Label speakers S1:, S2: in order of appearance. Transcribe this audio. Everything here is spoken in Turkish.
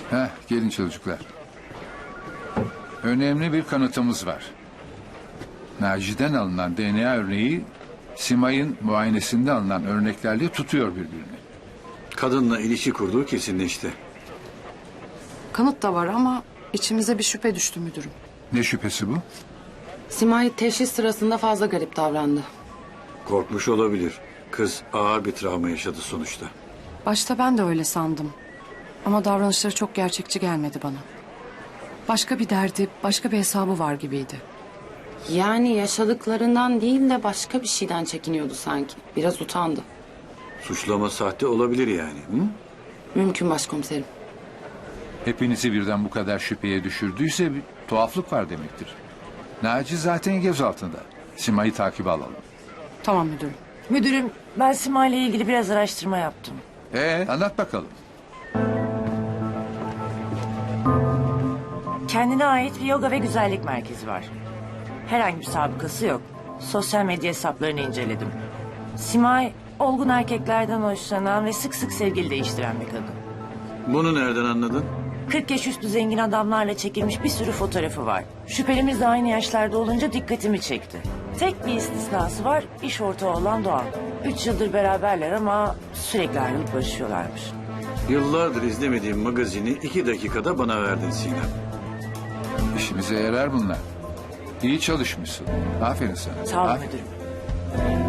S1: Gelin çocuklar. Önemli bir kanıtımız var. Naci'den alınan DNA örneği Simay'ın muayenesinde alınan örneklerle tutuyor birbirini.
S2: Kadınla ilişki kurduğu kesinleşti.
S3: Kanıt da var ama içimize bir şüphe düştü müdürüm.
S1: Ne şüphesi bu?
S3: Simay teşhis sırasında fazla garip davrandı.
S2: Korkmuş olabilir. Kız ağır bir travma yaşadı sonuçta.
S3: Başta ben de öyle sandım. Ama davranışları çok gerçekçi gelmedi bana. Başka bir derdi, başka bir hesabı var gibiydi.
S4: Yani yaşadıklarından değil de başka bir şeyden çekiniyordu sanki. Biraz utandı.
S2: Suçlama sahte olabilir yani. Hı?
S4: Mümkün başkomiserim.
S1: Hepinizi birden bu kadar şüpheye düşürdüyse bir tuhaflık var demektir. Naci zaten gözaltında. Simay'ı takibe alalım.
S3: Tamam müdürüm.
S5: Müdürüm, ben Simay ile ilgili biraz araştırma yaptım.
S1: Anlat bakalım.
S5: Kendine ait bir yoga ve güzellik merkezi var. Herhangi bir sabıkası yok. Sosyal medya hesaplarını inceledim. Simay, olgun erkeklerden hoşlanan ve sık sık sevgili değiştiren bir kadın.
S2: Bunu nereden anladın?
S5: 40 yaş üstü zengin adamlarla çekilmiş bir sürü fotoğrafı var. Şüphelimiz de aynı yaşlarda olunca dikkatimi çekti. Tek bir istisnası var, iş ortağı olan Doğan. 3 yıldır beraberler ama sürekli ayrılıp barışıyorlarmış.
S2: Yıllardır izlemediğim magazini 2 dakikada bana verdin Sinem.
S1: İşimize yarar bunlar. İyi çalışmışsın. Aferin sana.
S5: Sağ olun
S1: Aferin.
S5: müdürüm.